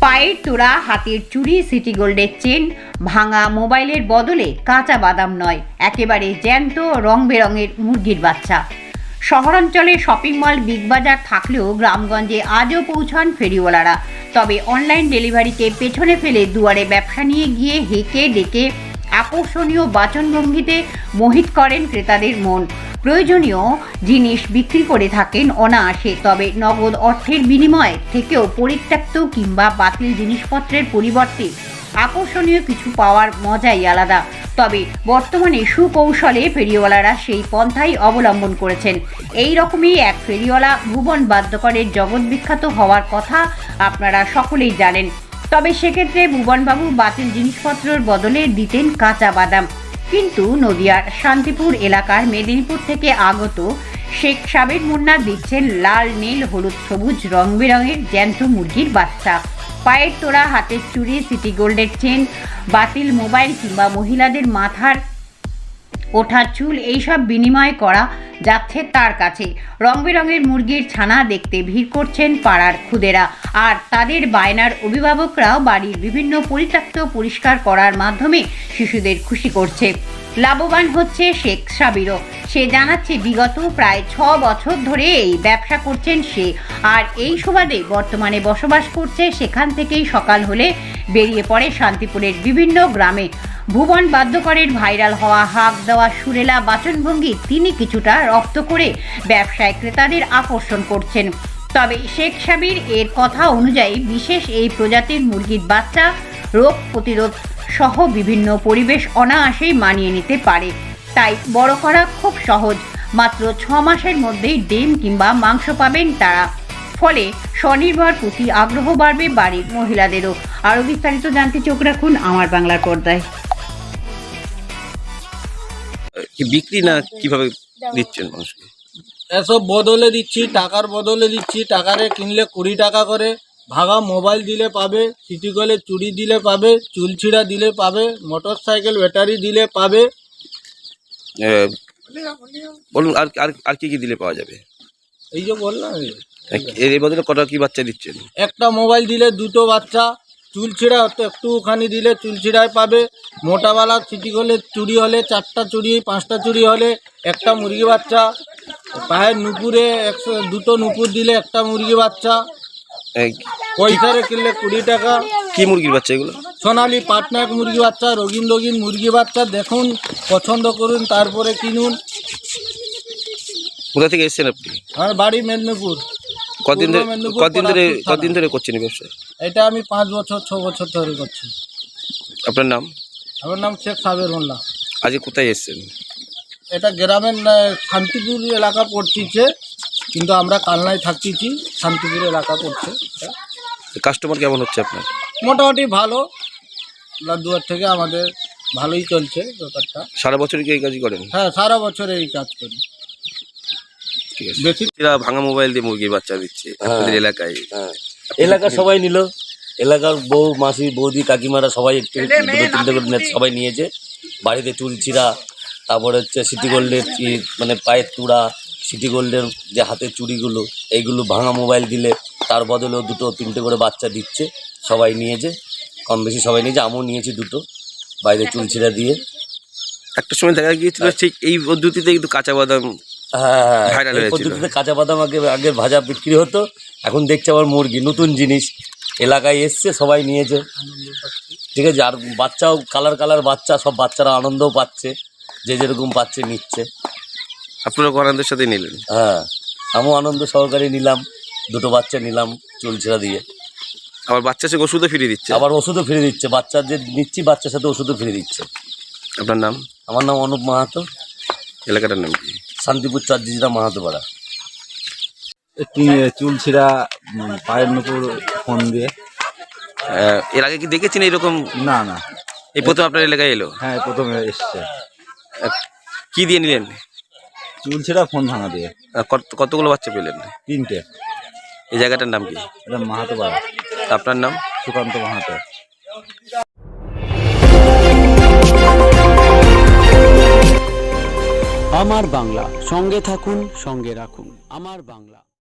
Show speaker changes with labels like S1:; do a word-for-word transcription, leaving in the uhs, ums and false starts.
S1: পায়ের তোড়া, হাতের চুড়ি, সিটি গোল্ডের চেন, ভাঙা মোবাইলের বদলে কাঁচা বাদাম নয়, একেবারে জ্যান্ত রং বেরঙের মুরগির বাচ্চা। শহরাঞ্চলে শপিং মল, বিগ বাজার থাকলেও গ্রামগঞ্জে আজও পৌঁছান ফেরিওয়ালারা। তবে অনলাইন ডেলিভারিকে পেছনে ফেলে দুয়ারে ব্যবসা নিয়ে গিয়ে হেঁকে ডেকে আকর্ষণীয় বাচনভঙ্গিতে মোহিত করেন ক্রেতাদের মন। প্রয়োজনীয় জিনিস বিক্রি করে থাকেন অনায়াসে, তবে নগদ অর্থের বিনিময়ে থেকেও পরিত্যক্ত কিংবা বাতিল জিনিসপত্রের পরিবর্তে আকর্ষণীয় কিছু পাওয়ার মজাই আলাদা। তবে বর্তমানে সুকৌশলে ফেরিওয়ালারা সেই পন্থাই অবলম্বন করেছেন। এই রকমই এক ফেরিওয়ালা ভুবন বাদ্যকরের জগৎ বিখ্যাত হওয়ার কথা আপনারা সকলেই জানেন। তবে সেক্ষেত্রে ভুবনবাবু বাতিল জিনিসপত্রের বদলে দিতেন কাঁচা বাদাম। কিন্তু নদিয়ার শান্তিপুর এলাকার মেদিনীপুর থেকে আগত শেখ সাবের মুন্না দিচ্ছেন লাল, নীল, হলুদ, সবুজ রং বেরঙের জ্যান্ত মুরগির বাচ্চা। পায়ের তোড়া, হাতের চুড়ি, সিটি গোল্ডের চেন, বাতিল মোবাইল কিংবা মহিলাদের মাথার ওঠা চুল, এইসব বিনিময় করা যাচ্ছে তার কাছে। রং বেরঙের মুরগির ছানা দেখতে ভিড় করছেন পাড়ার খুদেরা, আর তাদের বায়নার অভিভাবকরাও বাড়ির বিভিন্ন পরিত্যক্ত পরিষ্কার করার মাধ্যমে শিশুদের খুশি করছে। লাভবান হচ্ছে শেখ সাবিরও। সে জানাচ্ছে বিগত প্রায় ছ বছর ধরে এই ব্যবসা করছেন সে, আর এই সুবাদে বর্তমানে বসবাস করছে সেখান থেকেই সকাল হলে বেরিয়ে পড়ে শান্তিপুরের বিভিন্ন গ্রামে। ভুবন বাদ্যকরের ভাইরাল হওয়া হাঁক দেওয়া সুরেলা বাচনভঙ্গি তিনি কিছুটা রপ্ত করে ব্যবসায় ক্রেতাদের আকর্ষণ করছেন। তবে শেখ সাবির এর কথা অনুযায়ী বিশেষ এই প্রজাতির মুরগির বাচ্চা রোগ প্রতিরোধ সহ বিভিন্ন পরিবেশ অনায়াসেই মানিয়ে নিতে পারে, তাই বড় করা খুব সহজ। মাত্র ছ মাসের মধ্যেই ডিম কিংবা মাংস পাবেন তারা। ফলে স্বনির্ভর প্রতি আগ্রহ বাড়বে বাড়ির মহিলাদেরও। আরও বিস্তারিত জানতে চোখ রাখুন আমার বাংলার পর্দায়।
S2: বিক্রি না কিভাবে দিচ্ছেন মানুষকে?
S3: এসব বদলে দিচ্ছি, টাকার বদলে দিচ্ছি। টাকারে কিনলে কুড়ি টাকা করে, ভাঙা মোবাইল দিলে পাবে, সিটি গোল্ডের চুড়ি দিলে পাবে, চুল ছিঁড়া দিলে পাবে, মোটর সাইকেল ব্যাটারি দিলে পাবে।
S2: আহ, বলুন আর আর আর কি কি দিলে পাওয়া যাবে?
S3: এই যে বললাম,
S2: এর এর বদলে কটা কি বাচ্চা দিচ্ছেন?
S3: একটা মোবাইল দিলে দুটো বাচ্চা, চুল ছিঁড়া তো একটুখানি দিলে চুল ছিঁড়ায় পাবে, মোটাওয়ালা সিটি গোল্ডের চুড়ি হলে চারটা চুড়ি, পাঁচটা চুড়ি হলে একটা মুরগি বাচ্চা, পায়ের নুপুরে একশো দুটো নুপুর দিলে একটা মুরগি বাচ্চা,
S2: এই
S3: পয়সারে কিনলে কুড়ি টাকা।
S2: কি মুরগির বাচ্চা এগুলো?
S3: সোনালি পাটনায়ক মুরগি বাচ্চা, রঙিন রঙিন মুরগি বাচ্চা। দেখুন, পছন্দ করুন, তারপরে কিনুন।
S2: কোথা থেকে এসেছেন আপনি?
S3: আমার বাড়ি মেদিনীপুর।
S2: কদিন ধরে
S3: পূর্ব মেদিনীপুর,
S2: কদিন ধরে
S3: পরাগপুর থানা।
S2: কদিন ধরে করছেন এই ব্যবসা?
S3: এটা আমি পাঁচ বছর ছ বছর ধরে করছি।
S2: আপনার নাম?
S3: আমার নাম শেখ সাবের মোল্লা।
S2: আজকে কোথায় এসেছেন?
S3: এটা গ্রামের আহ, শান্তিপুর এলাকা পড়তিছে, কিন্তু আমরা কালনায় থাকতেছি। শান্তিপুর এলাকা পড়ছে।
S2: কাস্টমার কেমন হচ্ছে আপনার?
S3: মোটামুটি ভালো, দুয়ার থেকে আমাদের ভালোই চলছে ব্যাপারটা।
S2: সারা বছরই কি এই কাজই করেন?
S3: হ্যাঁ, সারা বছর এই কাজ করি।
S2: ঠিক আছে।
S3: বেশি
S2: এরা ভাঙা মোবাইল দিয়ে মুরগির বাচ্চা দিচ্ছে আপনাদের এলাকায়।
S4: হ্যাঁ, এলাকার সবাই নিল। এলাকার বউ, মাসি, বৌদি, কাকিমারা সবাই একটু দুটো তিনটে করে নিয়ে- সবাই নিয়েছে। বাড়িতে চুল ছিঁড়া, তারপরে হচ্ছে সিটি গোল্ডের ই- মানে পায়ের তুড়া, সিটি গোল্ডের যে হাতের চুড়িগুলো, এইগুলো ভাঙা মোবাইল দিলে তার বদলেও দুটো তিনটে করে বাচ্চা দিচ্ছে। সবাই নিয়েছে, কম বেশি সবাই নিয়েছে। আমিও নিয়েছি দুটো, বাইরে চুল ছিঁড়া দিয়ে।
S2: একটা সময় দেখা গিয়েছিল ঠিক এই পদ্ধতিতে কিন্তু কাঁচা বাদাম
S4: হ্যাঁ,
S2: ভাইরাল
S4: এই
S2: হয়েছিল।
S4: পদ্ধতিতে কাঁচা বাদাম আগে আগে ভাজা বিক্রি হতো, এখন দেখছি আবার মুরগি, নতুন জিনিস এলাকায় এসছে, সবাই নিয়েছে। ঠিক আছে। আর বাচ্চাও কালার কালার বাচ্চা, সব বাচ্চারা আনন্দও পাচ্ছে, যে যেরকম পাচ্ছে নিচ্ছে।
S2: আপনারা আনন্দের সাথে নিলেন?
S4: হ্যাঁ, আমিও আনন্দ সহকারে নিলাম, দুটো বাচ্চা নিলাম চুল ছেঁড়া দিয়ে।
S2: আবার বাচ্চা সে ওষুধও ফিরিয়ে দিচ্ছে।
S4: আবার ওষুধও ফিরে দিচ্ছে, বাচ্চার যে নিচ্ছি বাচ্চার সাথে ওষুধও ফিরে দিচ্ছে।
S2: আপনার নাম?
S4: আমার নাম অনুপ মাহাতো,
S2: এলাকাটার নাম কি?
S4: শান্তিপুর চারজিরা মাহাতো পাড়া।
S5: একটি চুল ছিঁড়া, উম, পায়ের নুপুর ফোন দিয়ে।
S2: আহ, এর আগে কি দেখেছেন এইরকম?
S5: না না,
S2: এই প্রথম আপনার এলাকায় এলো?
S5: হ্যাঁ প্রথমে এসছে।
S2: আহ, কি দিয়ে নিলেন?
S5: চুল ছিঁড়া ফোন ভাঙা দিয়ে।
S2: আহ, কত- কতগুলো বাচ্চা পেলেন?
S5: তিনটে।
S2: এই জায়গাটার নাম কি?
S5: এটা মাহাতো পাড়া,
S2: আপনার নাম?
S5: সুকান্ত মাহাতো।
S6: আমার বাংলা, সঙ্গে থাকুন, সঙ্গে রাখুন আমার বাংলা।